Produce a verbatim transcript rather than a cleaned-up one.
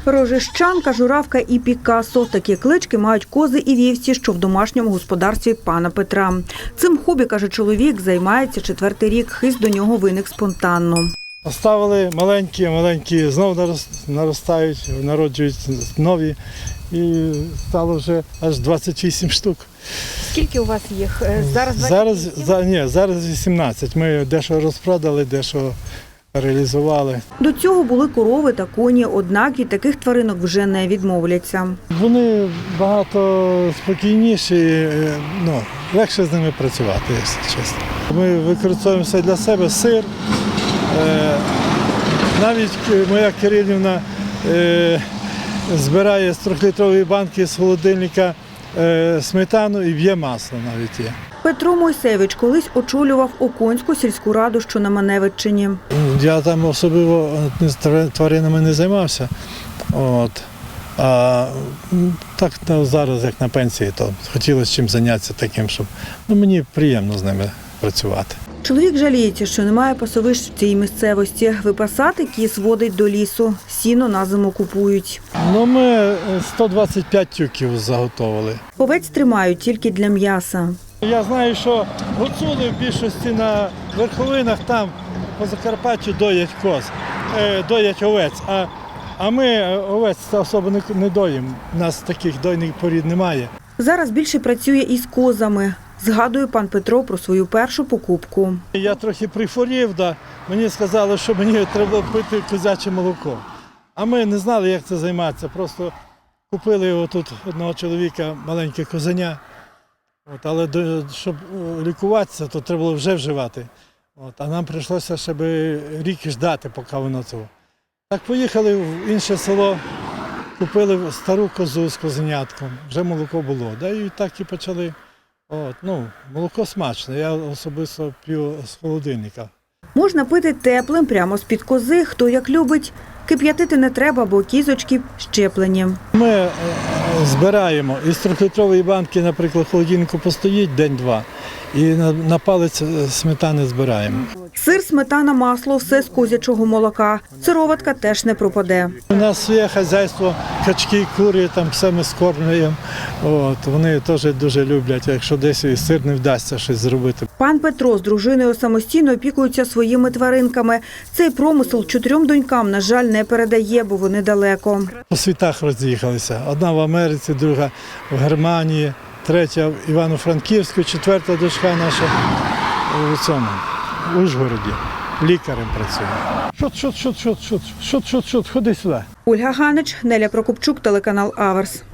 Рожищанка, журавка і Пікассо – такі клички мають кози і вівці, що в домашньому господарстві пана Петра. Цим хобі, каже чоловік, займається четвертий рік. Хист до нього виник спонтанно. Оставили маленькі, маленькі знову наростають, народжують нові. І стало вже аж двадцять вісім штук. Скільки у вас їх? Зараз Зараз, за, ні, зараз вісімнадцять. Ми дещо розпродали, дещо реалізували. До цього були корови та коні, однак від таких тваринок вже не відмовляться. Вони багато спокійніші, ну, легше з ними працювати, якщо чесно. Ми використовуємо все для себе, сир. Навіть моя Кирилівна збирає з трьохлітрової банки з холодильника сметану і б'є масло навіть є. Петро Мойсевич колись очолював Оконську сільську раду, що на Маневиччині. Я там особливо тваринами не займався. От. А так зараз, як на пенсії, то хотілося чим зайнятися таким, щоб ну, мені приємно з ними працювати. Чоловік жаліється, що немає пасовищ в цій місцевості. Випасати кіз водить до лісу. Сіно на зиму купують. Ну, ми сто двадцять п'ять тюків заготовили. Овець тримають тільки для м'яса. Я знаю, що гуцули в більшості на верховинах там по Закарпаттю доять коз, доять овець. А, а ми овець особо не, не доїмо. У нас таких дойних порід немає. Зараз більше працює із козами. Згадує пан Петро про свою першу покупку. Я трохи прихворів, да. Мені сказали, що мені треба пити козяче молоко. А ми не знали, як це займатися. Просто купили його тут одного чоловіка, маленьке козеня. От, але до, щоб лікуватися, то треба було вже вживати. От, а нам прийшлося ще рік ждати, поки воно цього. Так поїхали в інше село, купили стару козу з козенятком, вже молоко було. Да, і так і почали. От, ну, молоко смачне, я особисто п'ю з холодильника. Можна пити теплим прямо з-під кози, хто як любить. Кип'ятити не треба, бо кізочки щеплені. Ми е, збираємо із трьохлітрової банки, наприклад, в холодильнику постоїть день-два і на, на палець сметани збираємо. Сир, сметана, масло – все з козячого молока. Сироватка теж не пропаде. У нас своє хазяйство, качки, кури, там все ми скормлюємо. От, вони теж дуже люблять, якщо десь і сир не вдасться щось зробити. Пан Петро з дружиною самостійно опікуються своїми тваринками. Цей промисел чотирьом донькам, на жаль, не передає, бо вони далеко. По світах роз'їхалися. Одна в Америці, друга в Германії, третя в Івано-Франківську, четверта дочка наша у цьому, в Ужгороді. Лікарем працює. Шот, шот, шот, шот, шот, шот, шот, шот, ходи сюди. Ольга Ганич, Неля Прокопчук, телеканал Аверс.